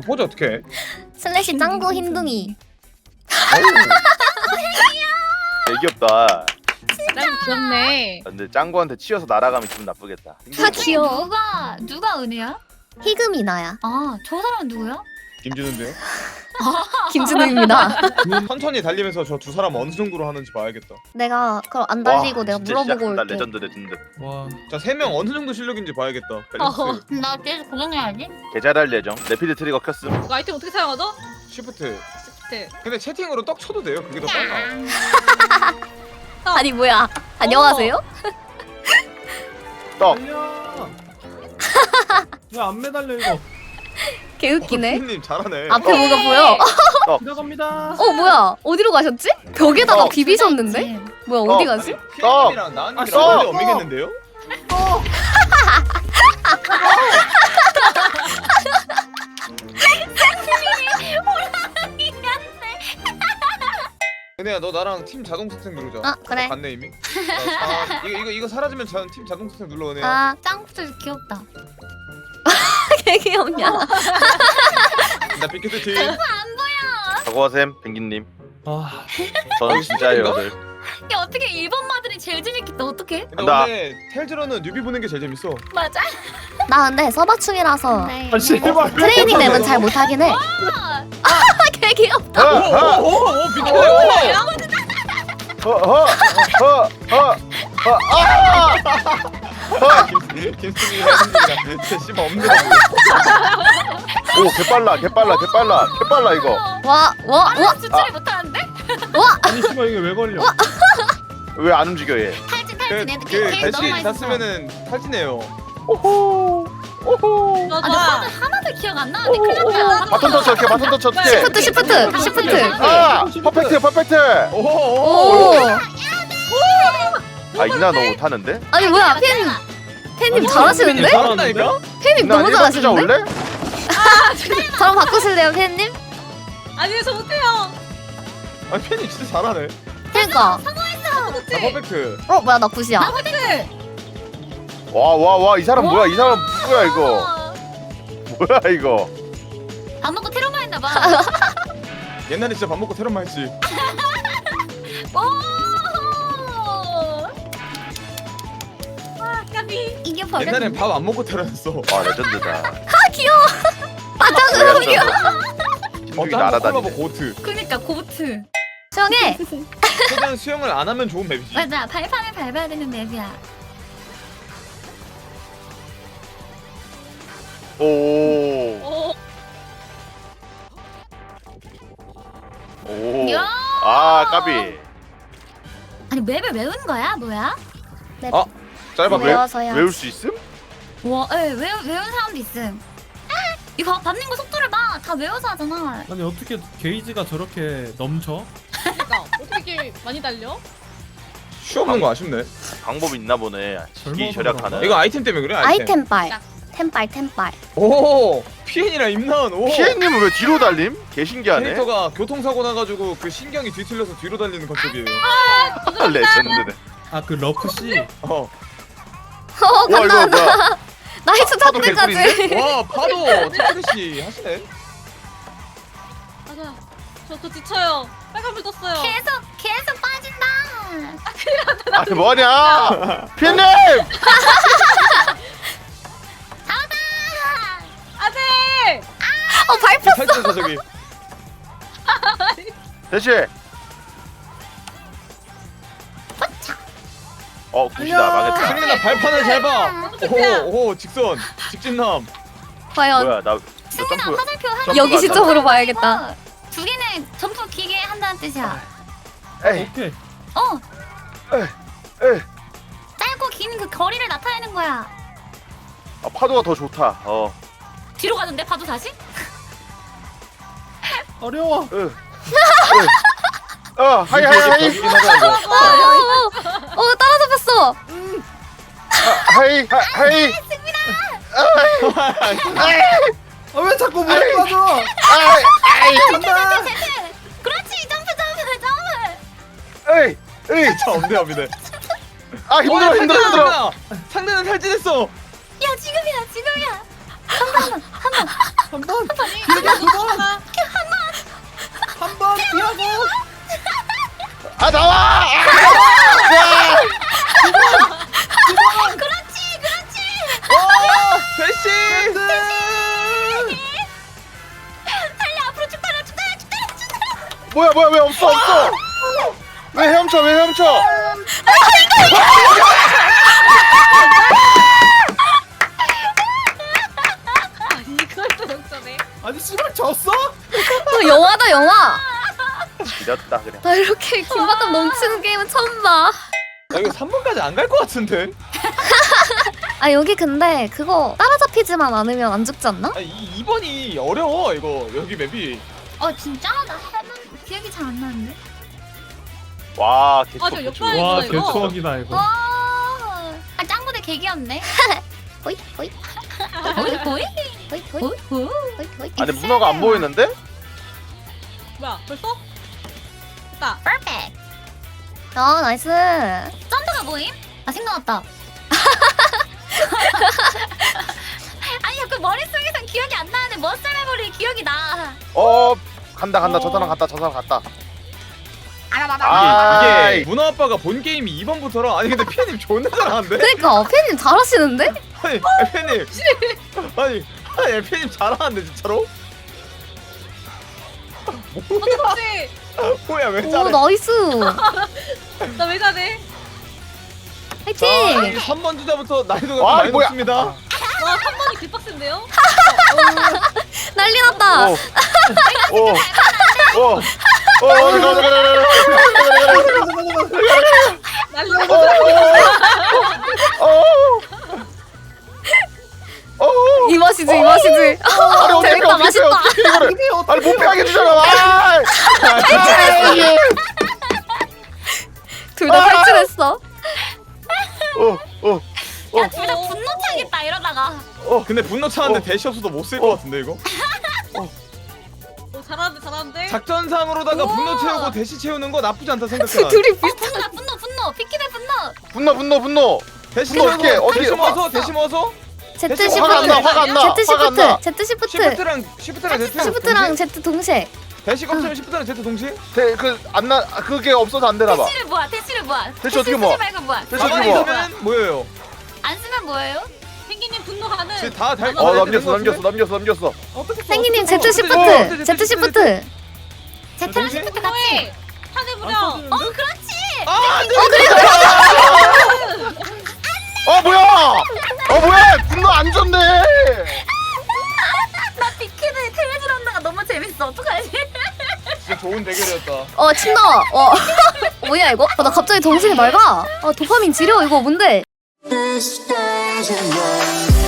그 포즈 어떻게 해? 슬래시 짱구 흰둥이. 되게 귀엽다. 난 귀엽네. 근데 짱구한테 치여서 날아가면 기분 나쁘겠다. 아 귀여워. 누가 은혜야? 희금이 나야. 아, 저 사람은 누구야? 김준우인데요? 김준우입니다. 천천히 달리면서 저 두 사람 어느 정도로 하는지 봐야겠다. 내가 그럼 안 달리고 와, 내가 진짜 물어보고 시작한다. 올게. 레전드 레전드. 와. 자, 세 명 어느 정도 실력인지 봐야겠다. 밸런스. 나 계속 고정해야지. 개잘할 예정. 레피드 트리거 켰음. 이거 아이템 어떻게 사용하죠? 시프트. 시프트. 근데 채팅으로 떡 쳐도 돼요. 그게 더 빨라. 아니 뭐야? 안녕하세요? 떡. 달려. 왜안 매달려 이거? 개웃기네. 님 잘하네. 앞에 뭐가 보여? 들어갑니다. 어 뭐야? 어디로 가셨지? 벽에다가 어. 비비셨는데? 뭐야 어디 가지? 피디님이랑 나은님이랑 써! 원래 엄이겠는데요? 은혜야, 너 나랑 팀 자동 스택 누르자. 아 그래. 갔네 이미. 이거 사라지면 팀 자동 스택 눌러 은혜야. 아 짱구들 귀엽다. 개 귀엽냐? 나 빅키트 팀. 사고하셈 펭귄님. 아, 저는 진짜예요. 다들. 야, 어떻게 일본 마들이 제일 재밌겠다. 어떡해? 근데 간다. 원래 텔즈러는 뉴비 보는 게 제일 재밌어. 맞아. 나 근데 서바충이라서 네. 아 씨발. 트레이닝 맵은 잘 못하긴 해. 개 귀엽다. 오, 빅키트. 김승희 혜진이랑 진짜 씨발 없는 거. 오 개빨라 개빨라 개빨라 개빨라 이거. 와. 수출이 못하는데? 아니 씨발 이게 왜 걸려? 왜 안 움직여 얘? 탈진 그 탈진 애들 걔 너무 다시 맛있어. 탔으면은 탈진해요. 오호 오호. 아, 나 하나도 기억 안 나는데 큰일 났다. 바톤 터치 어떻게 바톤 터치 어떻게? 시프트. 아 퍼펙트 퍼펙트. 오. 오. 아 이나 너 못하는데? 아니 뭐야 팬님 잘하시는데? 잘한다니까? 팬님 이나 너무 1번 주자 잘하시는데? 올래? 저랑 바꾸실래요 팬님? 아니 저 못해요. 아, 팬이 진짜 잘하네. 그러니까. 나 퍼펙트. 뭐야 나 굿이야. 와와와 이 사람 뭐야 이 사람 누구야 이거? 뭐야 이거? 밥 먹고 테러만 했나 봐. 옛날에 진짜 밥 먹고 테러만 했지. 오! 아, 까비. 이게 버렸. 옛날엔 밥 안 먹고 테러했어. 와 레전드다. 아 귀여워. 바닥으로 귀여워. 신중히 콜라보 날아다니네. 고트. 그니까 고트. 수영해. 최대한 수영을 안 하면 좋은 맵이지. 맞아, 발판을 밟아야 되는 맵이야. 오. 오. 오. 야! 아 까비. 아니 맵을 외운 거야? 뭐야? 아, 짧아. 외워서야. 외울 수 있음? 와, 외운 사람도 있음. 이거 밟는 거 속도를 봐. 다 외워서 하잖아. 아니 어떻게 게이지가 저렇게 넘쳐? 그러니까 어떻게 이렇게 많이 달려? 쉬 없는 거 아쉽네. 방법이 있나 보네. 시기 젊어서 절약하는. 그런가? 이거 아이템 때문에 그래? 아이템 빨. 템빨. 오, 피엔이랑 임나은. 오. 피엔님은 왜 뒤로 달림? 개 신기하네. 캐릭터가 교통사고 나가지고 그 신경이 뒤틀려서 뒤로 달리는 컨셉이에요. 레전드네. 아 그 러프 씨. 어. 와 이거 뭐야? 나이스 파도 탑대까지. 와, 파도 차크시 하시네. 맞아. 저 지쳐요. 빨간불 떴어요. 계속 빠진다. 아니 뭐냐? 피엔님! 안돼. 밟혔어. 탈진했어 저기. 대시. 굿이다 망했다. 승민아 발판을 잘 봐. 오, 직진남. 과연 뭐야 나 승민아, 점프. 화살표 한 점프 여기 갔다. 시점으로 봐야겠다. 두 개는 점프 기계 한다는 뜻이야. 에이 오케이. 에이. 짧고 긴 그 거리를 나타내는 거야. 아, 파도가 더 좋다. 뒤로 가는데 봐도 다시? 어려워. 하이. 저기긴 하다 이거. 따라 잡혔어. 하이. 아 왜 자꾸 물에 빠져? 간다. 그렇지, 점프. 에이. 진짜 엄대합니다. 아 힘들어. 상대는 탈진했어. 야, 지금이야. 한 번. 뭐야 왜 없어 왜 헤엄쳐 아니 이걸 또 역전해. 아니 씨발 졌어? 영화다 영화. 지렸다 그래. 나 이렇게 긴박감 넘치는 게임은 처음 봐. 나 이거 3번까지 안 갈 것 같은데. 아 여기 근데 그거 따라잡히지만 않으면 안 죽지 않나? 아니 2번이 어려워 이거 여기 맵이. 진짜? 나 해본 기억이 잘 안 나는데. 와 저 개추 역전해. 와 이거. 개추억이다 이거. 아 짱구대 개귀엽네. 호이 호이 보이 보이 호이 호이 보이. 호이. 아니 문어가 안 보이는데? 뭐야 벌써? 됐다. 퍼펙트. 아 나이스. 썬더가 뭐임? 아 생각났다. 아니 그 머릿속에선 기억이 안 나는데 머슬 메모리 기억이 나. 간다 저 사람 갔다 알아봐봐. 아, 이게 문어 아빠가 본 게임이 2번부터라. 아니 근데 피아님 존나 잘하는데? 그러니까 팬님 잘하시는데? 아니 피아님 아니 피아님 잘하는데 진짜로? 어떡하지? 뭐야 왜 오 잘해? 나이스. 나 왜 잘해? 자, 이 화이팅. 3번 주자부터 난이도가 와, 좀 많이 뭐야. 높습니다. 와 3번이 개빡센데요? 난리 났다. 이 맛이지 이 맛이지. 재밌다 맛있다. 아니 못 피하게 주잖아. 둘 다 탈출했어. 야 둘 다 분노 차겠다 이러다가. 근데 분노 차는데 대시 없어도 못 쓸 것 같은데 이거? 오 잘하는데? 작전상으로다가 오. 분노 채우고 대시 채우는 거 나쁘지 않다 생각해. 둘이 비슷. 분노 피키네 분노. 분노. 대시 분노 채우고 어떻게 대시 모아서 대시 모아서 Z 화가 안 나, 시프트. 화가 안 나. Z 화가 안 나. 시프트. Z 시프트. 시프트랑 Z 시프트랑 Z 동시에. 대시 컴퓨터랑 시프트랑 Z 동시에? 그게 없어서 안 되나 봐. 대시를 모아. 대시 어떻게 모아? 쓰지 말고 모아. 대시 가만히 어떻게 모아? 있으면 뭐예요? 안 쓰면 뭐예요? 펭귄님 분노하는. 지금 다 달. 남겼어. 어떻게 생기님 Z Z 시프트. Z 시프트. 제트랑 동시에? 시프트 같이. 분노해. 하늘 부려. 그렇지. 아, 뭐야? 분노 안 줬네. 나 비키니 테레즈 런다가 너무 재밌어. 어떡하지? 진짜 좋은 대결이었다. 침 나와. 뭐야 이거? 나 갑자기 정신이 맑아. 도파민 지려 이거 뭔데? This stage of mine.